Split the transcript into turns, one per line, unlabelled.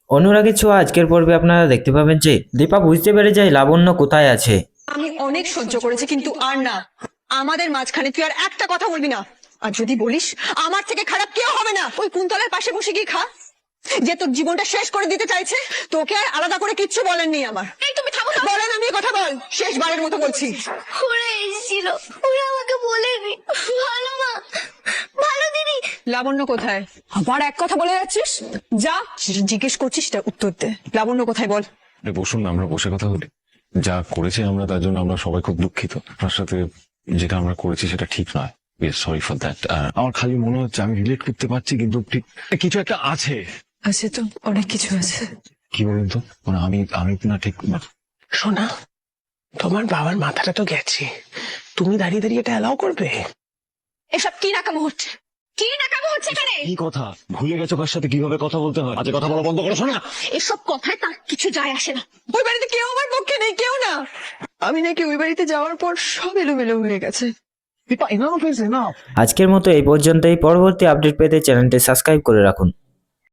অনুরাগের ছোঁয়া আজকের পর্বে আপনারা দেখতে পাবেন যে দীপা বুঝতে পেরে যায় লাবণ্য কোথায় আছে।
আমি অনেক সহ্য করেছি, কিন্তু আর না। আমাদের মাঝখানে তুই আর একটা কথা বলবি না। আর যদি বলিস, আমার থেকে খারাপ কেউ হবে না। ওই কুন্তলার পাশে বসে গিয়ে খা, যে তোর জীবনটা শেষ করে দিতে চাইছে। তোকে আর আলাদা করে কিচ্ছু বলেননি আমার। এই তুমি থামো তো। বলেন, আমি কথা বল, শেষবারের মতো বলছি।
ওরা এসেছিল, ওরা আমাকে বলেনি। ভালো না, ভালো দিদি।
লাবণ্য কোথায়? আবার এক কথা বলে যাচ্ছিস। যা জিজ্ঞেস করছিস তার উত্তর দে। লাবণ্য কোথায় বল।
বসুন না, আমরা বসে কথা বলি। যা করেছি আমরা, তার জন্য আমরা সবাই খুব দুঃখিত। আপনার সাথে যেটা আমরা করেছি সেটা ঠিক নয়। Sorry for that. আমার খালি মনে হচ্ছে আমি রিলেট করতে পারছি, কিন্তু ঠিক কিছু একটা আছে।
আছে তো, অনেক কিছু আছে।
কি বলুন তো, মানে আমি না ঠিক।
শোনা, তোমার বাবার মাথাটা তো গেছে, তুমি দাঁড়িয়ে দাঁড়িয়ে এটা অ্যালাউ করবে?
এসব কি নাকামো হচ্ছে? কি নাকামো হচ্ছে এখানে?
কি কথা ভুলে গেছো কার সাথে কিভাবে কথা বলতে হয়? আজকে কথা বলা বন্ধ করো। শোনা,
এসব কথায় তার কিছু যায় আসে না। ওই বাড়িতে কেউ আমার পক্ষে নেই, কেউ না। আমি নাকি ওই বাড়িতে যাওয়ার পর সব এলোমেলো হয়ে গেছে।
আজকের মতো এই পর্যন্তই। পরবর্তী আপডেট পেতে চ্যানেলটি সাবস্ক্রাইব করে রাখুন।